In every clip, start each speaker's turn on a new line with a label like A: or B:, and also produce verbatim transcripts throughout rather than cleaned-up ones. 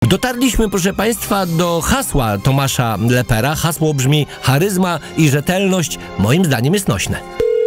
A: Dotarliśmy, proszę Państwa, do hasła Tomasza Lepera. Hasło brzmi: charyzma i rzetelność moim zdaniem jest nośne.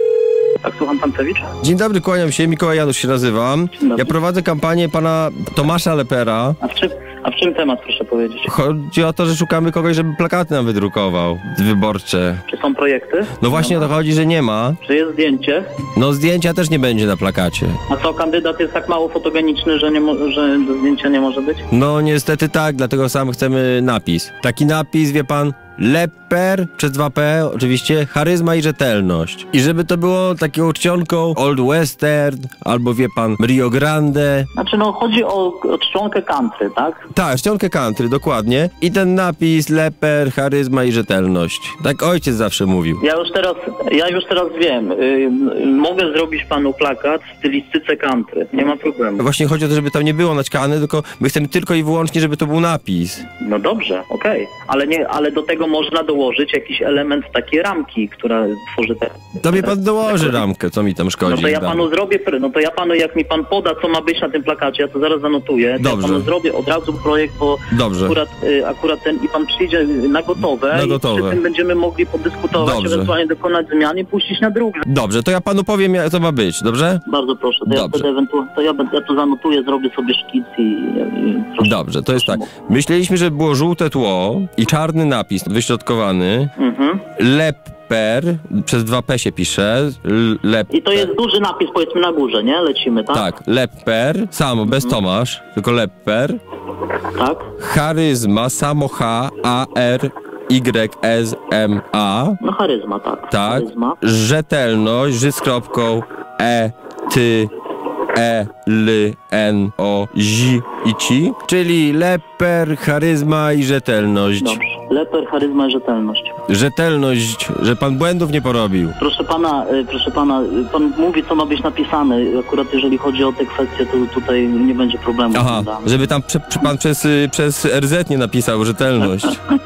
B: Tak, słucham, pan Cewicz?
C: Dzień dobry, kłaniam się, Mikołaj Janusz się nazywam. Ja prowadzę kampanię pana Tomasza Lepera.
B: A w czym, a w czym temat, proszę powiedzieć?
C: Chodzi o to, że szukamy kogoś, żeby plakaty nam wydrukował, wyborcze.
B: Czy są projekty?
C: No właśnie o to chodzi, że nie ma.
B: Czy jest zdjęcie?
C: No zdjęcia też nie będzie na plakacie.
B: A co, kandydat jest tak mało fotogeniczny, że, nie mo- że do zdjęcia nie może być?
C: No niestety tak, dlatego sam chcemy napis. Taki napis, wie pan, Leper przez dwa P, oczywiście, charyzma i rzetelność. I żeby to było taką czcionką Old Western, albo wie pan, Rio Grande.
B: Znaczy no, chodzi o, o czcionkę country, tak?
C: Tak, czcionkę country, dokładnie. I ten napis Leper, charyzma i rzetelność. Tak ojciec zawsze mówił.
B: Ja już teraz, ja już teraz wiem. Yy, mogę zrobić panu plakat w stylistyce country. Nie ma problemu.
C: Właśnie chodzi o to, żeby tam nie było naćkane, tylko my chcemy tylko i wyłącznie, żeby to był napis.
B: No dobrze, okej. Okay. Ale nie, ale do tego można dołożyć jakiś element takiej ramki, która tworzy te...
C: Tobie pan dołoży ramkę, co mi tam szkodzi.
B: No to ja panu zrobię, no to ja panu, jak mi pan poda, co ma być na tym plakacie, ja to zaraz zanotuję.
C: Dobrze.
B: Ja panu zrobię od razu projekt, bo
C: Dobrze.
B: Akurat, akurat ten i pan przyjdzie na gotowe,
C: na gotowe.
B: I przy tym będziemy mogli podyskutować,
C: dobrze.
B: Ewentualnie dokonać zmian i puścić na drugi.
C: Dobrze, to ja panu powiem, jak to ma być, dobrze?
B: Bardzo proszę, to, ja, wtedy ewentualnie, to ja, ja to zanotuję, zrobię sobie szkic i... i proszę,
C: dobrze, to jest tak.
B: Mów.
C: Myśleliśmy, że było żółte tło i czarny napis wyśrodkowany.
B: Mhm.
C: Leper, przez dwa P się pisze. Leper.
B: I to jest duży napis, powiedzmy, na górze, nie? Lecimy, tak?
C: Tak, Leper, samo, bez mhm. Tomasz, tylko Leper.
B: Tak.
C: Charyzma, samo H, A, R, Y, S, M, A.
B: No charyzma, tak.
C: Tak.
B: Charyzma.
C: Rzetelność, ży z kropką, E, ty, E, L, N, O, Z i ci. Czyli leper, charyzma i rzetelność.
B: Dobrze. Leper, charyzma i rzetelność.
C: Rzetelność, że pan błędów nie porobił.
B: Proszę pana, proszę pana, pan mówi, co ma być napisane. Akurat jeżeli chodzi o te kwestie, to tutaj nie będzie problemu.
C: Aha, żeby tam prze, pan przez, przez R Z nie napisał rzetelność.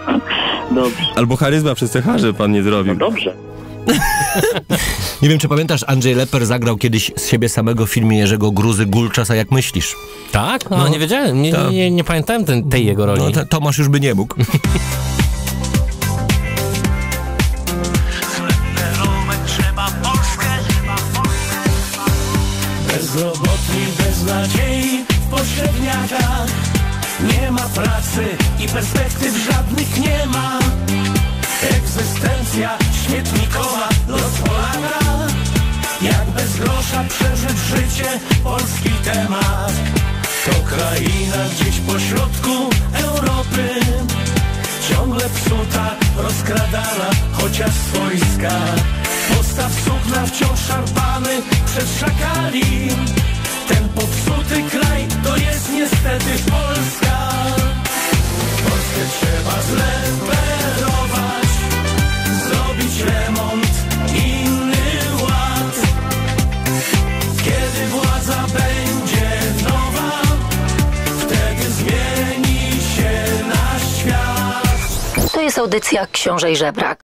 B: Dobrze.
C: Albo charyzma przez C H, że pan nie zrobił.
B: No dobrze.
A: Nie wiem, czy pamiętasz, Andrzej Leper zagrał kiedyś z siebie samego w filmie Jerzego Gruzy Gulczas, a jak myślisz?
D: Tak? No, no nie wiedziałem, nie, nie, nie, nie pamiętałem ten, tej jego roli.
A: No, to, Tomasz już by nie mógł.
E: Bezrobotni, bez nadziei w pośredniakach. Nie ma pracy i perspektyw żadnych nie ma. Egzystencja śmietnikowa, los Polaka. Jak bez grosza przeżyć życie, polski temat. To kraina gdzieś pośrodku Europy, ciągle psuta, rozkradana, chociaż swojska. Postaw sukna wciąż szarpany przez szakali. Ten popsuty kraj to jest niestety Polska. Polskę trzeba zleperować, zrobić remont, inny ład. Kiedy władza będzie nowa, wtedy zmieni się nasz świat.
F: To jest audycja Książę i Żebrak.